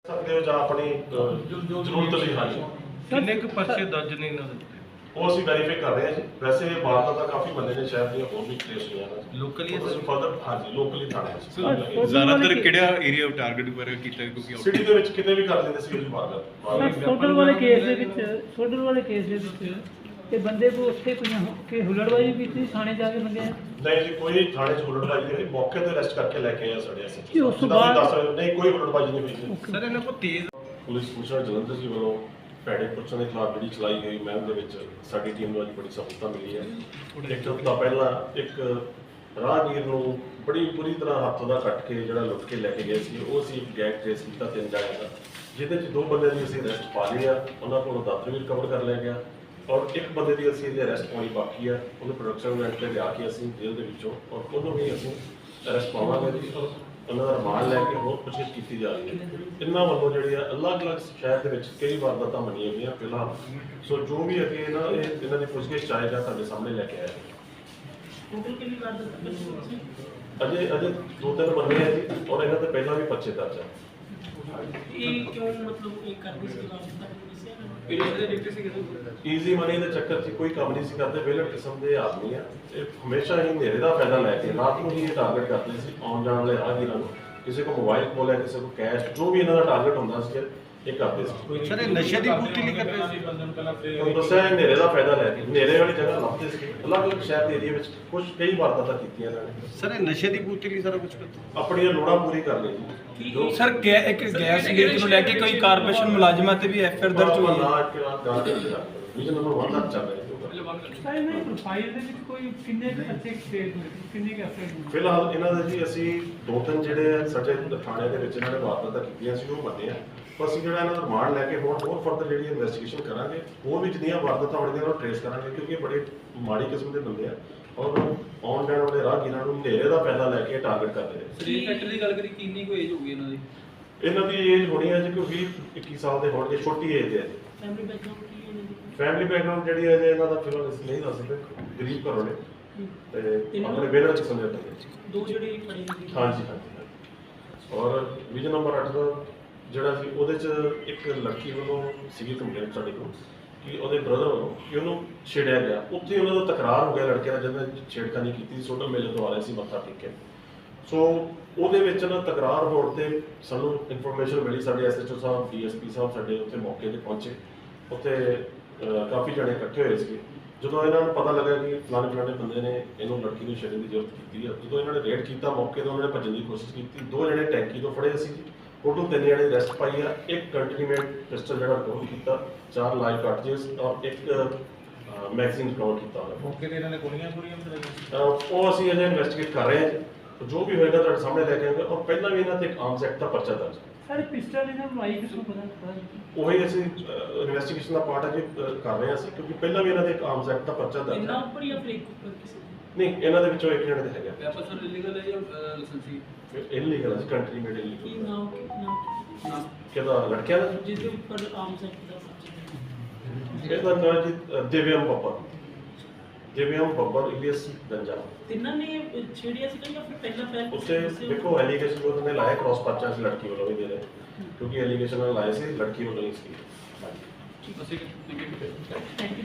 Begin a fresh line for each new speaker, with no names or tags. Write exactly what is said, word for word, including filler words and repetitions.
ਸਕਦੇ ਹੋ ਜਾਂ ਆਪਣੀ ਜ਼ਰੂਰਤ ਲਈ। ਹਾਂਜੀ,
ਕਿੰਨੇ ਕੁ ਪਰਚੇ ਦਰਜ ਨੇ ਇਹਨਾਂ ਦੇ?
ਉਹ ਅਸੀਂ ਵੈਰੀਫਾਈ ਕਰ ਰਹੇ ਹਾਂ ਜੀ। ਵੈਸੇ ਵਾਰਦਾਤਾਂ ਕਾਫੀ ਬੰਦੇ ਨੇ ਸ਼ਹਿਰ ਦੀਆਂ ਹੋਰ ਵੀ ਕੇਸ ਹੋਈਆਂ ਨੇ
ਲੋਕਲੀ
ਅਸੀਂ ਫਰਦਰ। ਹਾਂਜੀ, ਲੋਕਲੀ ਥਾਣੇ ਚ
ਜ਼ਿਆਦਾਤਰ ਕਿਹੜਾ ਏਰੀਆ ਟਾਰਗੇਟ ਵਗੈਰਾ ਕੀਤਾ ਕਿਉਂਕਿ
ਸਿਟੀ ਦੇ ਵਿੱਚ ਕਿਤੇ ਵੀ ਕਰ ਲੈਂਦੇ ਸੀ ਜੀ ਵਾਰਦਾਤ।
ਸੋਡਲ ਵਾਲੇ ਕੇਸ ਦੇ ਵਿੱਚ ਸੋਡਲ ਵਾਲੇ ਕੇਸ ਦੇ ਵਿੱਚ ਤੇ ਬੰਦੇ ਕੋ ਉੱਥੇ ਕੋਈ ਕਿ ਹੁਲੜਬਾਜ਼ੀ ਕੀਤੀ ਥਾਣੇ ਜਾ ਕੇ ਬੰਦੇ
ਨਹੀਂ ਜੀ, ਕੋਈ ਥਾਣੇ ਚ ਹੁਲੜਬਾਜ਼ੀ ਨਹੀਂ ਹੋਈ। ਮੌਕੇ ਤੇ ਅਰੈਸਟ ਕਰਕੇ ਲੈ ਕੇ ਆਏ ਸਾਡੇ
ਜੀ,
ਐਸਐਚਓ
ਉਸ ਤੋਂ ਬਾਅਦ-
ਦੱਸ ਰਹੇ ਨਹੀਂ ਕੋਈ ਹੁਲੜਬਾਜ਼ੀ ਨਹੀਂ ਹੋਈ ਜੀ।
ਸਰ ਇਹਨਾਂ ਕੋਲ ਤੇਜ਼
ਪੁਲਿਸ ਕਮਿਸ਼ਨਰ ਜਲੰਧਰ ਜੀ ਵੱਲੋਂ ਭੈੜੇ ਪੁਰਸ਼ਾਂ ਦੇ ਖਿਲਾਫ ਜਿਹੜੀ ਚਲਾਈ ਗਈ ਮੁਹਿੰਮ ਦੇ ਵਿੱਚ ਸਾਡੀ ਟੀਮ ਨੂੰ ਅੱਜ ਬੜੀ ਸਫਲਤਾ ਮਿਲੀ ਹੈ। ਇੱਕ ਹਫ਼ਤਾ ਪਹਿਲਾਂ ਇੱਕ ਰਾਹਗੀਰ ਨੂੰ ਬੜੀ ਬੁਰੀ ਤਰ੍ਹਾਂ ਹੱਥ ਦਾ ਕੱਟ ਕੇ ਜਿਹੜਾ ਲੁੱਟ ਕੇ ਲੈ ਕੇ ਗਏ ਸੀ, ਉਹ ਅਸੀਂ ਗੈਂਗ ਟ੍ਰੇਸ ਕੀਤਾ ਤਿੰਨ ਜਣਿਆਂ ਦਾ, ਜਿਹਦੇ ਚ ਦੋ ਬੰਦਿਆਂ ਦੀ ਅਸੀਂ ਅਰੈਸਟ ਪਾ ਲਈ ਆ। ਉਹਨਾਂ ਕੋਲੋਂ ਦਾਤਰ ਵੀ ਰਿਕਵਰ ਕਰ ਲਿਆ ਗਿਆ ਔਰ ਇੱਕ ਬੰਦੇ ਦੀ ਅਸੀਂ ਇਹਦੇ ਅਰੈਸਟ ਪਾਉਣੀ ਬਾਕੀ ਆ। ਉਹਨੂੰ ਪ੍ਰੋਡਕਸ਼ਨ ਯੂਨਿਟ ਤੇ ਲਿਆ ਕੇ ਅਸੀਂ ਜੇਲ੍ਹ ਦੇ ਵਿੱਚੋਂ ਔਰ ਉਹਨੂੰ ਵੀ ਅਸੀਂ ਅਰੈਸਟ ਪਾਵਾਂਗੇ ਜੀ। ਔਰ ਉਹਨਾਂ ਦਾ ਰਿਮਾਂਡ ਲੈ ਕੇ ਹੋਰ ਪੁੱਛਗਿੱਛ ਕੀਤੀ ਜਾ ਰਹੀ ਹੈ। ਇਹਨਾਂ ਵੱਲੋਂ ਜਿਹੜੀ ਆ ਅਲੱਗ-ਅਲੱਗ ਸ਼ਹਿਰ ਦੇ ਵਿੱਚ ਕਈ ਵਾਰਦਾਤਾਂ ਮੰਨੀਆਂ ਗਈਆਂ ਫਿਲਹਾਲ। ਸੋ ਜੋ ਵੀ ਅੱਗੇ ਇਹਨਾਂ ਇਹ ਇਹਨਾਂ ਦੀ ਪੁੱਛਗਿੱਛ ਚਾਹੇਗਾ ਤੁਹਾਡੇ ਸਾਹਮਣੇ ਲੈ ਕੇ ਆਇਆ।
ਟੋਟਲ ਕਿੰਨੀ ਵਾਰ
ਅਜੇ ਅਜੇ ਦੋ ਤਿੰਨ ਬੰਦੇ ਆ ਜੀ ਔਰ ਇਹਨਾਂ ਤੇ ਪਹਿਲਾਂ ਵੀ ਪਰਚੇ ਦਰਜ ਆ।
ਇਹ ਕਿਉਂ ਮਤਲਬ ਇਹ ਕਰਦੀ ਸੀ ਵਾਰਦਾਤ
ਈਜ਼ੀ ਮਨੀ ਦੇ ਚੱਕਰ 'ਚ ਕੋਈ ਕੰਮ ਨਹੀਂ ਸੀ ਕਰਦੇ। ਵਿਹਲੜ ਕਿਸਮ ਦੇ ਆਦਮੀ ਆ। ਇਹ ਹਮੇਸ਼ਾ ਹੀ ਹਨੇਰੇ ਦਾ ਫਾਇਦਾ ਲੈ ਕੇ ਰਾਤ ਨੂੰ ਹੀ ਇਹ ਟਾਰਗੇਟ ਕਰਦੇ ਸੀ ਆਉਣ ਜਾਣ ਵਾਲੇ ਰਾਹਗੀਰਾਂ ਨੂੰ। ਕਿਸੇ ਕੋ ਮੋਬਾਈਲ ਕੋਲ ਹੈ, ਕਿਸੇ ਕੋ ਕੈਸ਼, ਜੋ ਵੀ ਇਹਨਾਂ ਦਾ ਟਾਰਗੇਟ ਹੁੰਦਾ ਸੀ ਇਹ ਕਰਦੇ ਸੀ।
ਸਰ ਇਹ ਨਸ਼ੇ ਦੀ ਪੂਰਤੀ ਲਈ ਕਰਦੇ ਸੀ?
ਤੁਹਾਨੂੰ ਦੱਸਿਆ ਹਨੇਰੇ ਦਾ ਫਾਇਦਾ ਲੈ ਕੇ ਹਨੇਰੇ ਵਾਲੀ ਜਗ੍ਹਾ ਲੱਭਦੇ ਸੀ। ਅਲੱਗ-ਅਲੱਗ ਸ਼ਹਿਰ ਦੇ ਏਰੀਆ ਵਿੱਚ ਕੁਝ ਕਈ ਵਾਰਦਾਤਾਂ ਕੀਤੀਆਂ ਇਹਨਾਂ ਨੇ।
ਸਰ ਇਹ ਨਸ਼ੇ ਦੀ ਪੂਰਤੀ ਲਈ ਸਾਰਾ ਕੁਝ ਕਰਦੇ?
ਆਪਣੀਆਂ ਲੋੜਾਂ ਪੂਰੀ ਕਰ ਲਈ ਜੀ। ਜੋ
ਸਰ ਗੈ ਇੱਕ ਗੈਸ ਲੀਕ ਨੂੰ ਲੈ ਕੇ ਕੋਈ ਕਾਰਪੋਰੇਸ਼ਨ ਮੁਲਾਜ਼ਮਾਂ ਤੇ ਵੀ ਐਫ ਆਈ ਆਰ ਦਰਜ ਹੋਈ ਹੈ।
ਨਾ ਕਿ ਨਾ ਗਾਂ ਦੇ ਵਿਜਨ ਨੰਬਰ ਇੱਕ ਤੱਕ ਚੱਲ ਰਿਹਾ ਜੀ।
ਸਾਰੇ ਨੇ ਪ੍ਰੋਫਾਈਲ ਦੇ ਵਿੱਚ ਕੋਈ ਕਿੰਨੇ ਅੱਛੇ ਸਟੇਜ ਹੋਏ ਕਿੰਨੇ ਕੇ ਅਫਸਰ ਹੋਏ
ਫਿਲਹਾਲ ਇਹਨਾਂ ਦੇ ਜੀ ਅਸੀਂ ਦੋ ਤਿੰਨ ਜਿਹੜੇ ਸਾਡੇ ਥਾਣੇ ਦੇ ਵਿੱਚ ਇਹਨਾਂ ਨੇ ਵਾਰਦਾਤਾਂ ਕੀਤੀਆਂ ਸੀ ਉਹ ਮੰਨੇ ਆ। ਪਰ ਅਸੀਂ ਜਿਹੜਾ ਇਹਨਾਂ ਦਾ ਰਿਮਾਂਡ ਲੈ ਕੇ ਹੋਰ ਹੋਰ ਫਰਦਰ ਜਿਹੜੀ ਇਨਵੈਸਟੀਗੇਸ਼ਨ ਕਰਾਂਗੇ। ਹੋਰ ਵੀ ਜਿੰਨੀਆਂ ਵਾਰਦਾਤਾਂ ਹੋਣਗੀਆਂ ਉਹ ਟ੍ਰੇਸ ਕਰਾਂਗੇ ਕਿਉਂਕਿ ਇਹ ਬੜੇ ਮਾੜੀ ਕਿਸਮ ਦੇ ਬੰਦੇ ਆ ਔਰ ਆਉਣ ਜਾਣ ਵਾਲੇ ਰਾਹਗੀਰਾਂ ਨੂੰ ਹਨੇਰੇ ਦਾ ਫਾਇਦਾ ਲੈ ਕੇ ਟਾਰਗੇਟ ਕਰਦੇ ਨੇ।
ਸਰੀਰ ਫੈਕਟਰ ਦੀ ਗੱਲ ਕਰੀ ਕਿੰਨੀ ਕੋਈ ਏਜ ਹੋਊਗੀ ਇਹਨਾਂ ਦੀ?
ਇਹਨਾਂ ਦੀ ਏਜ ਹੋਣੀ ਹੈ ਜੀ ਕੋਈ ਵੀਹ ਇੱਕੀ ਸਾਲ ਦੇ ਹੋਣਗੇ। ਛੋਟੀ ਏਜ ਹੈ ਜੀ।
ਫੈਮਿਲੀ ਬੈਕਗ੍ਰਾਉਂਡ ਕੀ ਹੈ ਜੀ?
ਫੈਮਿਲੀ ਬੈਕਗ੍ਰਾਉਂਡ ਜਿਹੜੀ ਹੈ ਜੀ ਇਹਨਾਂ ਦਾ ਫਿਲਹਾਲ ਅਸੀਂ ਨਹੀਂ ਦੱਸ ਸਕਦੇ। ਗਰੀਬ ਘਰੋਂ ਨੇ ਤੇ ਆਪਣੇ ਬੇਲਰ ਚ ਸਮਝਦੇ ਨੇ।
ਦੋ ਜਿਹੜੇ ਖੜੇ ਨੇ
ਹਾਂਜੀ ਹਾਂਜੀ। ਔਰ ਵਿਜਨ ਨੰਬਰ ਅੱਠ ਦਾ ਜਿਹੜਾ ਸੀ ਉਹਦੇ ਚ ਇੱਕ ਲੜਕੀ ਵੱਲੋਂ ਸੀਗੀ ਕੰਪਲੇਂਟ ਸਾਡੇ ਕੋਲ ਕਿ ਉਹਦੇ ਬ੍ਰਦਰ ਵੱਲੋਂ ਕਿ ਉਹਨੂੰ ਛੇੜਿਆ ਗਿਆ। ਉੱਥੇ ਉਹਨਾਂ ਦਾ ਤਕਰਾਰ ਹੋ ਗਿਆ ਲੜਕੇ ਨਾਲ ਜਦੋਂ ਛੇੜਖਾਨੀ ਕੀਤੀ। ਸੋਡਲ ਮੇਲੇ ਤੋਂ ਆ ਰਹੇ ਸੀ ਮੱਥਾ ਟੇਕ ਕੇ। ਸੋ ਉਹਦੇ ਵਿੱਚ ਨਾ ਤਕਰਾਰ ਹੋਣ ਤੇ ਸਾਨੂੰ ਇਨਫੋਰਮੇਸ਼ਨ ਮਿਲੀ। ਸਾਡੇ SHO sahib D S P sahib ਸਾਡੇ ਉੱਥੇ ਮੌਕੇ ਤੇ ਪਹੁੰਚੇ। ਉੱਥੇ ਕਾਫੀ ਜਣੇ ਇਕੱਠੇ ਹੋਏ ਸੀ। ਜਦੋਂ ਇਹਨਾਂ ਨੂੰ ਪਤਾ ਲੱਗਾ ਕਿ ਫਲਾਣੇ ਫਲਾਣੇ ਬੰਦੇ ਨੇ ਇਹਨੂੰ ਲੜਕੀ ਨੂੰ ਛੇੜਨ ਦੀ ਜ਼ਰੂਰਤ ਕੀਤੀ ਆ, ਜਦੋਂ ਇਹਨਾਂ ਨੇ ਰੇਡ ਕੀਤਾ ਮੌਕੇ ਤੋਂ ਉਹਨਾਂ ਨੇ ਭੱਜਣ ਦੀ ਕੋਸ਼ਿਸ਼ ਕੀਤੀ। ਦੋ ਜਣੇ ਟੈਂਕੀ ਤੋਂ ਫੜੇ ਸੀ। ਟੋਟਲ ਤਿੰਨ ਜਣੇ ਅਰੈਸਟ ਪਾਈ ਆ। ਇੱਕ ਕੰਟੀਨਮੈਂਟ ਪਿਸਟਲ ਜਿਹੜਾ ਰਿਕਵਰ ਕੀਤਾ, ਚਾਰ ਲਾਈਵ ਕਾਰਟ੍ਰਿਜਸ ਔਰ ਇੱਕ ਮੈਗਜ਼ੀਨ ਰਿਕਵਰ ਕੀਤਾ ਹੋਇਆ।
ਮੌਕੇ ਤੇ ਇਹਨਾਂ ਨੇ ਗੋਲੀਆਂ ਗੋਲੀਆਂ ਚਲਾਈਆਂ?
ਉਹ ਅਸੀਂ ਅਜੇ ਇਨਵੈਸਟੀਗੇਟ ਕਰ ਰਹੇ ਹਾਂ। ਜੋ ਵੀ ਹੋਏਗਾ ਤੁਹਾਡੇ ਸਾਹਮਣੇ ਲੈ ਕੇ ਆਵਾਂਗੇ। ਔਰ ਪਹਿਲਾਂ ਵੀ ਇਹਨਾਂ ਤੇ ਇੱਕ ਆਰਮਸ ਐਕਟ ਦਾ ਪਰਚਾ ਦਰਜ ਹੈ।
ਸਾਰੇ ਪਿਸਟਲ ਇਹਨਾਂ ਨੂੰ ਆਈ ਕਿਸ ਨੂੰ ਪਤਾ ਪਤਾ
ਉਹੀ ਅਸੀਂ ਇਨਵੈਸਟੀਗੇਸ਼ਨ ਦਾ ਪਾਰਟ ਅਜੇ ਕਰ ਰਹੇ ਹਾਂ ਅਸੀਂ ਕਿਉਂਕਿ ਪਹਿਲਾਂ ਵੀ ਇਹਨਾਂ ਦੇ ਇੱਕ ਆਰਮਸ ਐਕਟ ਦਾ ਪਰਚਾ ਦਰਜ
ਇੰਨਾ
ਹੈ।
ਉੱਪਰ ਜਾਂ ਫਿਰ ਇੱਕ ਉੱਪਰ ਕਿਸੇ
ਨਹੀਂ, ਇਹਨਾਂ ਦੇ ਵਿੱਚੋਂ ਇੱਕ ਜਣੇ ਤੇ ਹੈਗਾ।
ਵੈਪਨ ਸਰ ਇਲੀਗਲ ਹੈ ਜਾਂ ਲਾਇਸੈਂਸੀ?
ਇਲੀਗਲ ਹੈ, ਕੰਟਰੀ ਮੇਡ
ਕੀ
ਇਲੀਗਲ।
ਨਾਮ ਨਾਮ
ਨਾ
ਕਿਹਦਾ ਲੜਕਿਆਂ ਦਾ?
ਜਿਸ ਦੇ ਉੱਪਰ ਆਮ ਸੈਕਟ ਦਾ ਪਰਚਾ
ਇਹਦਾ ਨਾਮ ਜੀ ਦਿਵਿਆਮ ਬੱਬਰ। ਦਿਵਿਆਮ ਬੱਬਰ ਇਲੀਅਸ ਗੰਜਾ।
ਤਿੰਨਾਂ ਨੇ ਛੇੜਿਆ ਸੀ ਜਾਂ ਫਿਰ ਪਹਿਲਾਂ ਪਹਿਲ
ਉੱਤੇ ਦੇਖੋ ਐਲੀਗੇਸ਼ਨ ਉਹਨਾਂ ਨੇ ਲਾਇਆ ਕ੍ਰਾਸ ਪਰਚਾ ਸੀ ਲੜਕੀ ਵੱਲੋਂ ਵੀ ਦੇ ਰਹੇ ਕਿਉਂਕਿ ਐਲੀਗੇਸ਼ਨ ਨਾਲ ਲਾਏ ਸੀ ਲੜਕੀ ਵੱਲੋਂ ਨਹੀਂ ਸੀ।
ਅਸੀਂ